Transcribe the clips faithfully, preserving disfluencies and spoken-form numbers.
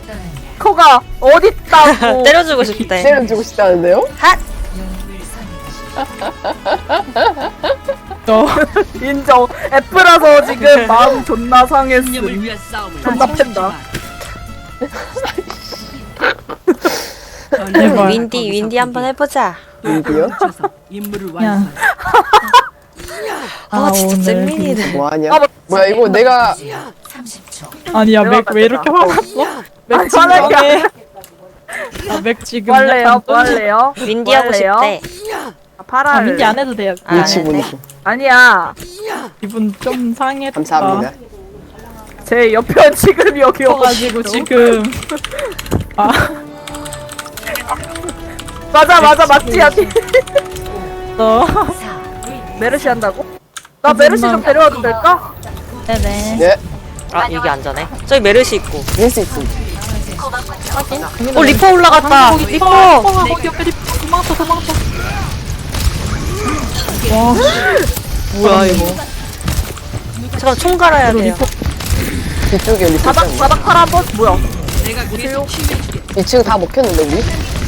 코가 어딨다고. 때려주고 싶대. 때려주고 싶다는데요? 핫! 어. 인정. F라서 지금 마음 존나 상했음. 존나 팬다. 제발. 윈디, 윈디 한번 해보자. 누구요? 야. 아, 진짜 잼민이네. 뭐하냐? 아, 뭐- 뭐야 이거 내가 아니야, 내가 맥 왜 이렇게 화났어? 맥 아니, 지금 화나게 해. 아, 맥 지금 뭐 할래요? 약간 뭐 할래요? 윈디 뭐 하고 할래요? 싶대. 아, 파라. 아, 민지 안 해도 돼요. 아, 안 눈치 해도 보는 돼? 거. 아니야. 기분 좀 상했다. 감사합니다. 제 옆에 지금 여기 가지고 오고 지금 아, 맞아 맞아 맞지 야티. 너 메르시 한다고? 나 메르시 좀 데려와도 될까? 네네. 예, 아, 여기 안전해. 저기 메르시 있고. 이길 수 있음. 어, 리퍼 올라갔다. 거기 리퍼! 리퍼 거기 옆에 리퍼 도망쳐 도망쳐. 와, 뭐야, 이거. 잠깐, 총 갈아야 돼요. 뒤쪽에 리포 바닥 있잖아. 바닥 파라 한번 뭐야? 이 층 다 먹혔는데 우리?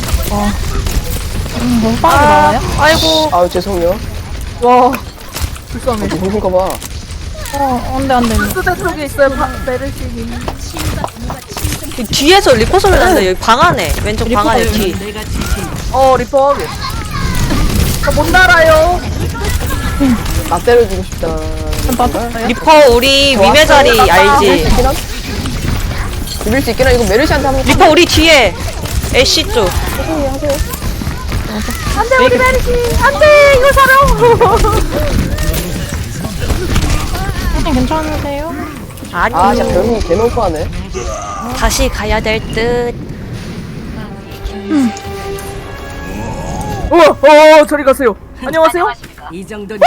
음, 너무 빠르게 나와요? 아이고. 아우 죄송해요. 와 불쌍해. 누군가 봐. 어, 안돼 안돼. 수대 쪽에 있어요 파, 메르시님. 뒤에서 리퍼 소리 나는데, 여기 방 안에. 왼쪽 방 안에 뒤. 어 리퍼 하게. 저못 날아요. 나 때려주고 싶다. 맞았어요? 리퍼, 우리 위메 자리 알지? 비빌 수 있기나? 이거 메르시한테 한번 리퍼, 우리 뒤에. 애쉬 쪽. 안돼 우리 메르시. 안돼 이거 사랑. 선생님 괜찮으세요? 아니. 아 진짜 별로 개너프하네. 다시 가야 될 듯. 우와 어 저리 가세요. 안녕하세요. 이 정도는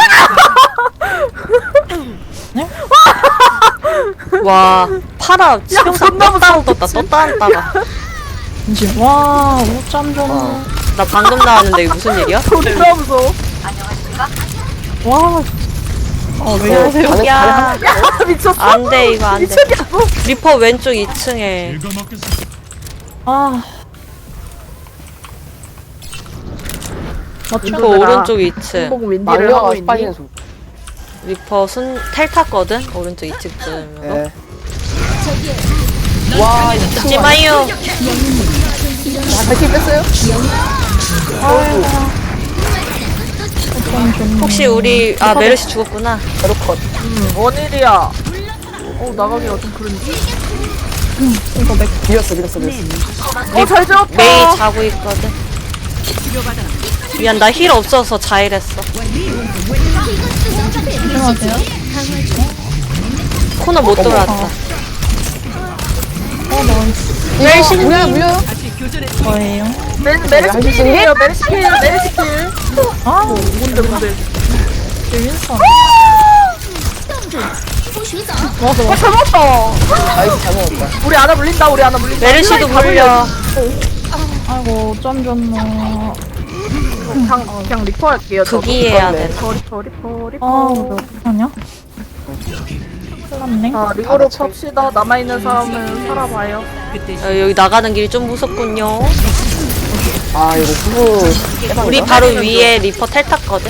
와, 파라 치명상 존나 떴다 떴다 떴다 떴다가. 이제 와, 오점 좀. 나 방금 나왔는데 이거 무슨 일이야? 존나 무서워. 와. 어, 왜 어, 이러세요? 가능- 야, 야 미쳤어? 안 돼, 이거 안 돼. 미쳤냐고? 리퍼 왼쪽 이 층에. 아, 리퍼 오른쪽 이 층. 공윈디를 망령아 하고 있니? 빠지는 소. 리퍼 순, 텔 탔거든? 오른쪽 이 층쯤으로. 예. 와 이거 죽지 마요. 발키 뺐어요? 혹시 우리, 아, 메르시 죽었구나. 바로 컷. 음, 원일이야. 어 나가기가 좀 그런지. 이거 맥 비었어 비었어 비었어. 어잘 지었다. 메이 자고 있거든. 미안, 나 힐 없어서 자일했어. 조심하세요. 코너 못 돌아왔다. 어, 나이스. 메르시 물려요 물려요? 거예요. 메 할수 메르시킬이에요. 메르시킬 메르시킬. 아, 뭔데 뭔데? 윈선. 어 잘못다. 나이스 잘 먹었다. 우리 하나 물린다. 우리 하나 물린다. 메르시도 물려. 아이고, 점 줬나. 그냥 그냥 리퍼 할게요. 저도. 극이해야 돼. 리퍼 리퍼 리퍼 리퍼. 아, 왜 어떡하냐? 큰일 났네. 자 리거로 팝시다. 남아 있는 사람은 살아봐요. 어, 여기 나가는 길이 좀 무섭군요. 아 이거 후보 깨방이다. 우리 바로 위에 리퍼 텔 탔거든?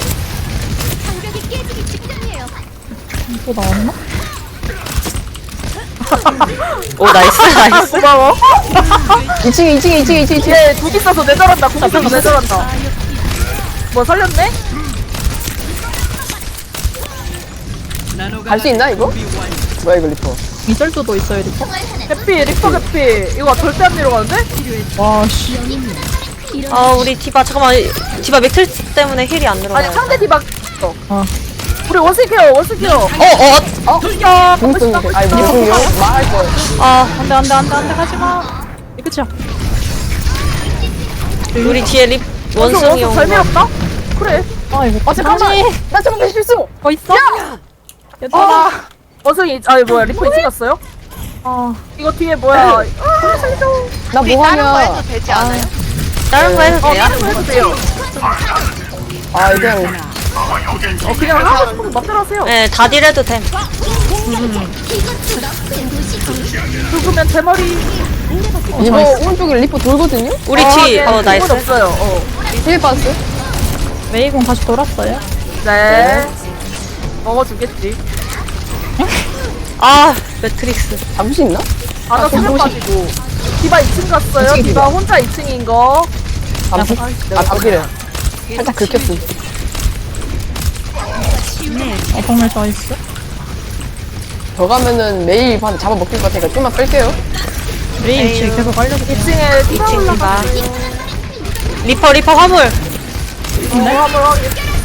또 나왔나? 오, 나이스, 나이스. 고마워. 이 층에 이 층에 이 층에 이 층에 이 층에. 얘 두기 써서 내절한다. 두기 써서 내절한다. 뭐 살렸네? 갈 수 있나 이거? 뭐야 이거 리퍼. 미절도도 있어요, 리퍼? 해피 리퍼 해피. 이거 절대 안 내려가는데? 와, 씨. 아, 우리 디바, 잠깐만. 디바 맥틀스 때문에 힐이 안 들어가요. 아니 상대 디박. 어. 아. 우리 원스케어 원스케어. 어, 어, 야 공승 아니 무슨요? 말할 거. 아, 안 돼, 안 돼, 안 돼, 안 돼, 가지 마. 이 끝이야. 우리 뒤에 립, 원숭이 온 잘 거. 밀었다? 그래. 아, 이거 아 잠깐만. 나 잠깐만 실수. 어, 있어? 얘들아. 아 원숭이 아니 뭐야 리퍼 이층 갔어요? 아, 이거 뒤에 뭐야? 아 살려줘. 나 뭐하냐? 되지 않아요? 다른 거 해도 어 돼요? 다른 거 해도 돼요. 아 그냥 어 그냥 하고 싶은 거 맘대로 하세요. 네, 다 딜해도 됨. 죽으면 대머리. 이거 오른쪽에 리퍼 돌거든요? 우리 아, 뒤. 네, 어 그건 나이스. 없어요. 어. 힐 빠졌어요? 메이공 다시 돌았어요. 네. 먹어주겠지. 아 매트릭스. 잡을 수 있나? 아나 수면 빠지고. 디바 이 층 갔어요. 이층에 디바 디바. 혼자 이 층인 거. 잡을 수? 아, 잡기래요. 살짝 긁혔음. 어, 정말 나이스. 저 가면은 매일 반 잡아먹힐 것 같으니까 좀만 뺄게요. 메이 위치 계속 알려줘. 이 층에 디바 이 층 디바. 올라가요. 리퍼 리퍼 화물. 어, 한번 확인.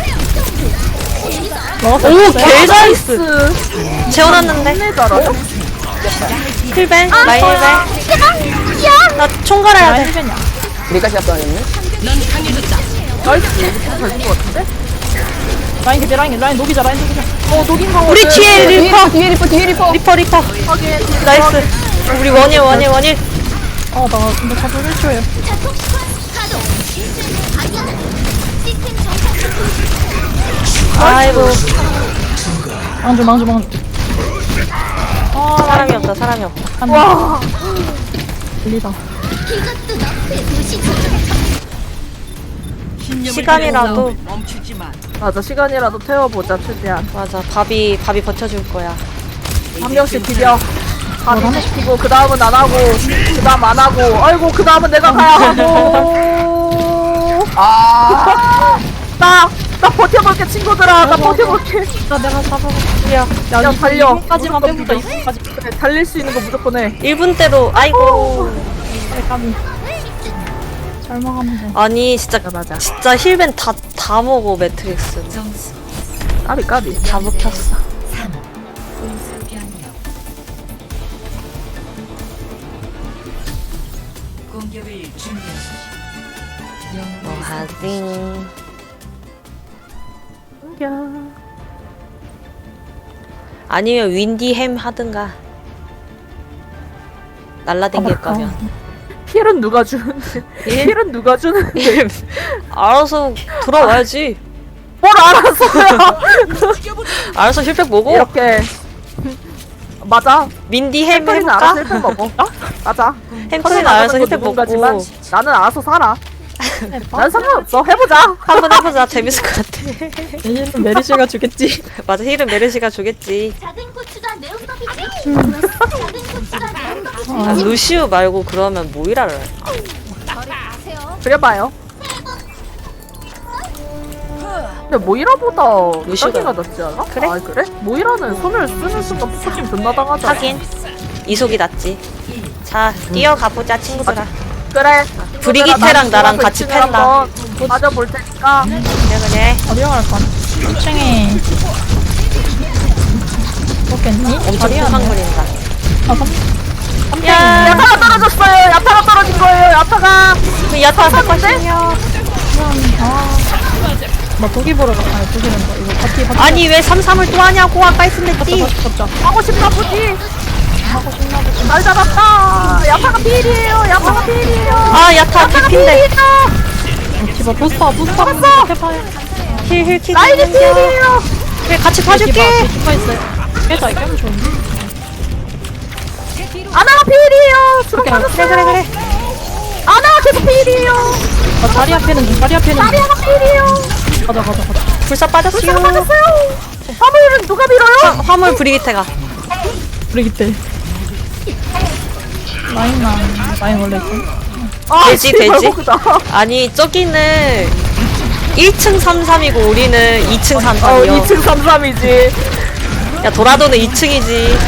먹었어. 오 개나이스. 나이스. 재워놨는데. 네 잘하죠? 힐벤 라인 힐벤. 나총 갈아야 라인 돼. 힐벤이야. 우리까지 합당했네. 나이스. 잘된 것 같은데? 라인 개피 라인 라인 녹이자 라인 녹이자. 어, 녹인 거 우리 같아. 뒤에 뒤에 리퍼. 리퍼, 뒤에 리퍼, 뒤에 리퍼. 리퍼 리퍼. 확인. 나이스. 우리 원일 원일 원일. 어, 나 근데 자꾸 일 초에. 아이고 망주 망주 망주. 사람이 없다 사람이 없다. 와. 들리다. 시간이라도 맞아, 시간이라도 태워보자, 최대한. 맞아 밥이 밥이 버텨줄 거야. 한 명씩 비벼. 한 명씩 비고, 그 다음은 안 하고, 그 다음 안 하고, 아이고, 그 다음은 내가 가야 하고. 아, 나, 나 버텨볼게, 친구들아. 나 버텨볼게. 나 내가 잡아볼게. 야 야, 야, 달려. 이분까지만 빼보자. 이분까지. 그래, 달릴 수 있는 거 무조건 해. 일 분대로 아이고. 그래 까비. 잘 먹으면 돼. 아니 진짜 맞아. 진짜 힐벤 다 다 먹어 매트릭스. 까비, 까비. 다 먹혔어. 뭐 하징. 아니면 윈디햄 하든가. 날라댕길 거면. 힐은 누가 주는데? 힐? 힐은 누가 주는데? 힐 알아서 돌아와야지. 뭘 알았어요? 알아서 힐팩 먹어. 이렇게. 맞아. 민디 햄 햄터리는 해볼까? 알아서 힐팩 먹어. 맞아. 햄터리는 알아서 힐팩 먹고. 누군가지만 나는 알아서 살아. 난 상관없어. 해보자. 한번 해보자. 재밌을 것 같아. 얘는 메리시가 주겠지. 맞아, 힐은 메르시가 주겠지. 작은 고추가 매운법이지. 작은 고추가 매운법이지. 아, 루시우 말고 그러면 모이라를 할까? 저리 가세요. 그래봐요. 근데 모이라보다 루시오가- 루시가 낫지 않아? 그래? 아 그래? 모이라는 손을 쓰는 순간 포커싱 존나 당하잖아. 하긴 이속이 낫지. 자, 뛰어가보자 친구들아. 그래. 브리기테랑 나랑 같이 이 층을 팬다. 한번 맞아볼 테니까. 그래 그래. 어디로 갈까? 이 층에 먹겠니? 엄청 자리야, 큰 뭐. 그린다. 아, 삼, 삼 야, 야타가 떨어졌어요. 야타가 떨어진 거예요. 야타가. 그 야타 사과시냐? 아, 나 독이 보러 가. 아니, 독이란다. 이거 파티, 파티. 아니 왜 삼삼을 또 하냐고 아까 했으면 됐지. 잡자, 잡자. 하고 싶나 보지. 하고 싶나 보지. 날 잡았다. 야타가 필이에요. 야타가 필이에요. 아 야타 개핀데. 디바 부스터, 부스터. 잡았어. 해봐요. 힐힐 키. 나이게 필이에요. 그래 같이 봐줄게. 디바 있어요. 깨자, 깨면 좋은데. 아나가 필이에요. 주로 오케이, 맞았어요. 그래 그래 그래. 아나가 계속 필이에요. 나 다리 앞에는 중, 다리 앞에는 중. 아리아가 필이에요. 가자, 가자, 가자. 불사 빠졌어요. 불사가 맞았어요. 화물은 누가 밀어요? 화물 브리기테가. 브리기테. 라인 나, 라인 원래 있어. 아, 돼지, 씨발, 돼지? 호구다. 아니 저기는 일 층 삼삼이고 우리는 이 층 어, 삼삼이요. 이 층 삼삼이지. 야 도라도는 이 층이지.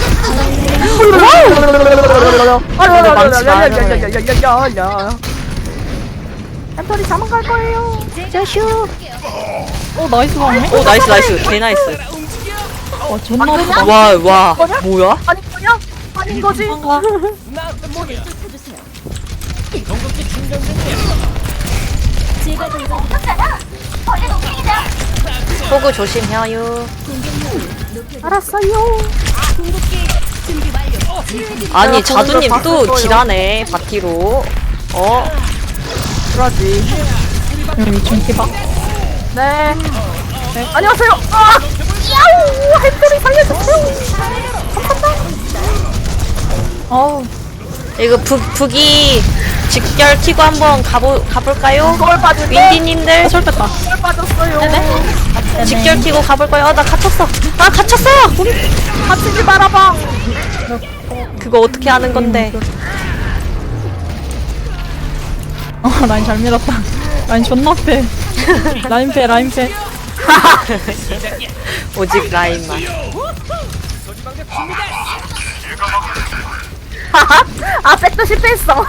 야야야야야야야야야야야. 햄터리 자만 갈 거예요. 짜슈. 어, 나이스 방네? 오 나이스 나이스 개 나이스. 와, 존나 아프다. 와와 뭐야? 아니 뭐냐? 아닌 거지? 제가 동작이잖아. 벌레 동생이다. 호구 조심해요. 알았어요. 궁극기 준비 완료. 아니 내가 자두님 보는 걸 또 봤을 딜하네 바티로. 어 그러지. 여기 이 층 디바. 네. 네. 안녕하세요. 아! 야우 햄들이 살려주세요. 어우, 이거 북, 북이 직결 튀고 한번 가보, 가볼까요? 그걸 빠질게. 윈디님들 설렜다. 그걸 빠졌어요. 직결 튀고 가볼까요? 어, 나 갇혔어. 아, 갇혔어! 우리 다치지 말아봐. 그거 어떻게 하는 건데? 어, 라인 잘 밀었다. 라인 존나 패. 라인 패, 라인 패. 오직 라인만. 아 백도 실패했어.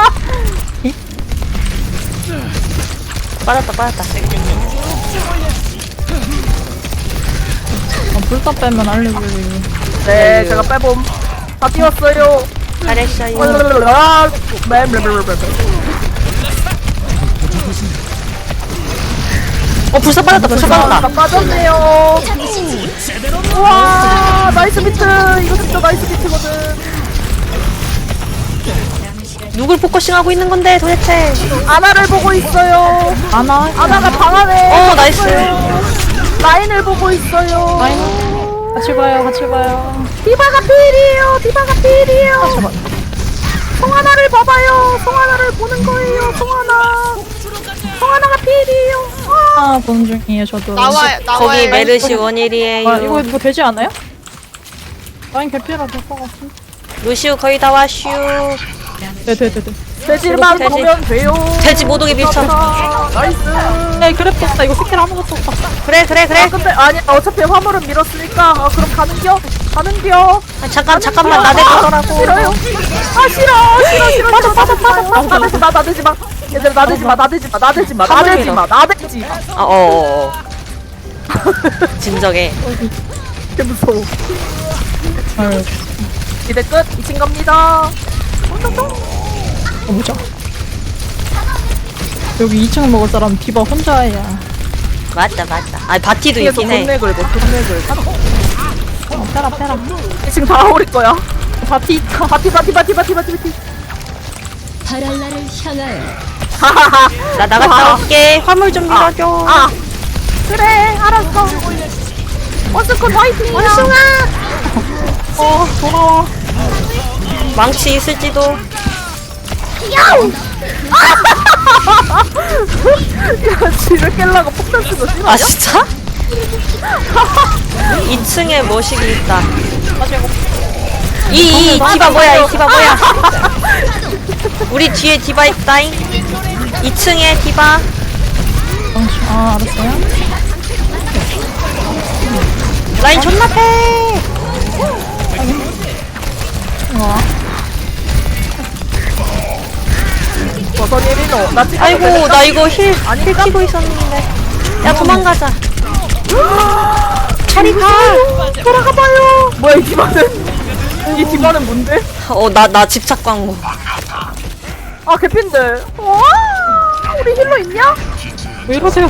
빠졌다, 빠졌다. 어, 불타 빼면 알려줘요. 네 제가 빼봄. 다 띄웠어요. 잘했어요. 아, 네, 네, 네, 네, 네. 어, 불사 빠졌다, 불사 나 빠졌다. 빠졌네요. 우와 나이스 비트. 이거 진짜 나이스 비트거든. 누굴 포커싱하고 있는 건데, 도대체? 아나를 보고 있어요. 아나, 아나가 방 안에 어, 나이스. 라인을 보고 있어요. 라인. 같이 봐요, 같이 봐요. 디바가 필이에요. 디바가 필이에요. 송하나를 봐봐요. 송하나를 보는 거예요. 송하나. 송하나가 필이에요. 아, 아, 보는 중이에요, 저도. 나와요 나와요. 거기 메르시 원일이에요. 아, 이거 뭐 되지 않아요? 라인 개피라 될 것 같은데. 루시우 거의 다 왔슈. 네, 네, 네, 네. 돼지만 돼지. 보면 돼요. 돼지 못 오게 밀쳐. 나이스. 네, 그랩 떴다. 이거 스킬 아무것도 없다. 그래, 그래, 그래. 아 근데 아니 어차피 화물은 밀었으니까 아 그럼 가는겨? 가는겨? 아, 잠깐, 잠깐만, 나대보더라고. 싫어요. 아 싫어 싫어 싫어 빠져 빠져 빠져 빠져 빠져 나 나대지 마. 얘들아 나대지 마 나대지 마 나대지 마 나대지 마 나대지 마. 아, 어, 어, 어. 진정해. 개 무서워. 아유, 이제 끝. 이친 겁니다. 어, 보자. 여기 이 층 먹을 사람 디바 혼자야. 맞다, 맞다. 아, 바티도 뒤에서 있긴 해. 돈내 긁어 돈내 긁어. 어, 빼라, 빼라. 지금 다 오릴 거야. 바티, 바티 바티 바티 바티 바티 바티. 바랄라를 향하여 하하하. 나 나갔다 올게. 화물 좀 밀어줘. 아 그래 알았어. 원스콘 화이팅. 원숭아. 어, 돌아와. 망치 있을지도. 야우. 야 지를 깰라고 폭탄 쓰고 싫어. 아, 진짜? 이 층에 머시기 있다. 이, 이, 디바 뭐야, 이 디바 뭐야. 우리 뒤에 디바 있다잉. 이 층에 디바. 어, 아, 알았어요. 라인 존나 패. 와. 버섯이 일이노. 나 지금 아이고, 나 이거 힐, 힐 키고 있었는데. 야, 도망가자. 차리 가. 돌아가봐요. 뭐야 이 디바는? 이 디바는 뭔데? 어, 나, 나 집착 광고. 아 개핀데. 와 우리 힐러 있냐? 왜 이러세요?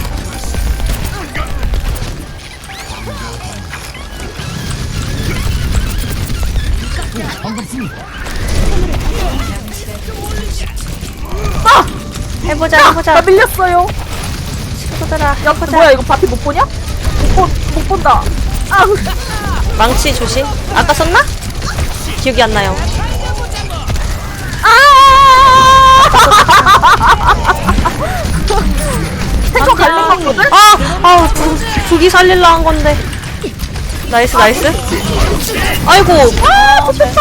아! 해보자, 해보자. 나 밀렸어요. 친구들아, 야 해보자. 뭐야 이거 바티 못 보냐? 못, 본, 못 본다. 아 망치 조심. 아까 썼나? 기억이 안 나요. 아! 탱커 갈린 거거든? 아! 아, 부, 북이 살릴라 한 건데. 나이스, 나이스. 아이고. 아 좋겠다.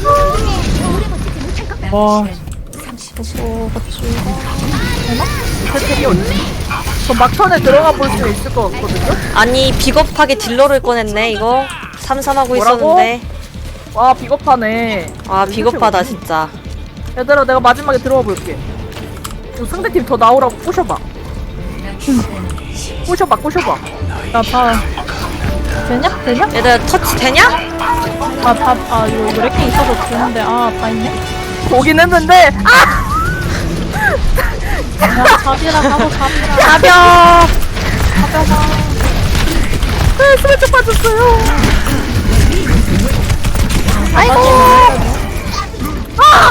와. 어서 같이. 대책이 어디? 저 막판에 들어가 볼 수 있을 것 같거든요? 아니, 비겁하게 딜러를 꺼냈네, 이거. 삼삼하고 뭐라고? 있었는데. 와 비겁하네. 아, 비겁하다, 진짜. 얘들아 내가 마지막에 들어가 볼게. 이거 상대팀 더 나오라고 꼬셔봐. 꼬셔봐 꼬셔봐. 나 다. 되냐? 되냐? 얘들아, 터치 되냐? 아, 다, 아, 이거, 이거 렉킹 있어서 되는데, 아, 다 있네? 보긴 했는데 아! 야, 잡이라 가고, 잡이라. 가벼. 네, 스매트 빠졌어요. 아이고. 아!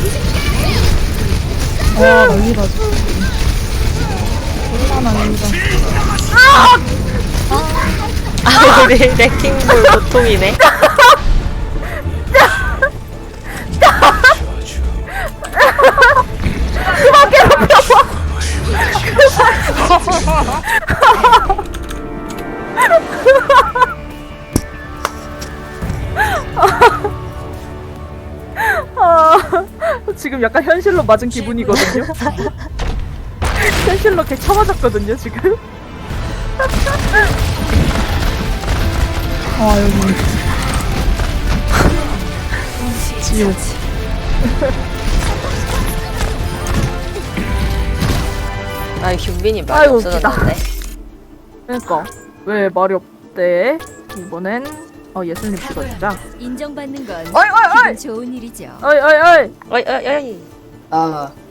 와, 난리다, 진짜. 얼마나 난리다. 아! 아 우리 레킹볼 보통이네. 그만 괴롭혀봐. 아, 지금 약간 현실로 맞은 기분이거든요. 현실로 개 쳐맞았거든요 지금. 아 여기 지옥. 아 휴빈이 말이 아이고, 없어졌는데. 그러니까 왜 말이 없대? 이번엔 어 예수님 찍어주자. 인정받는 건 어이 어이 어이 기분 좋은 일이죠. 어이 어이 어이. 어이 어이 어이. 아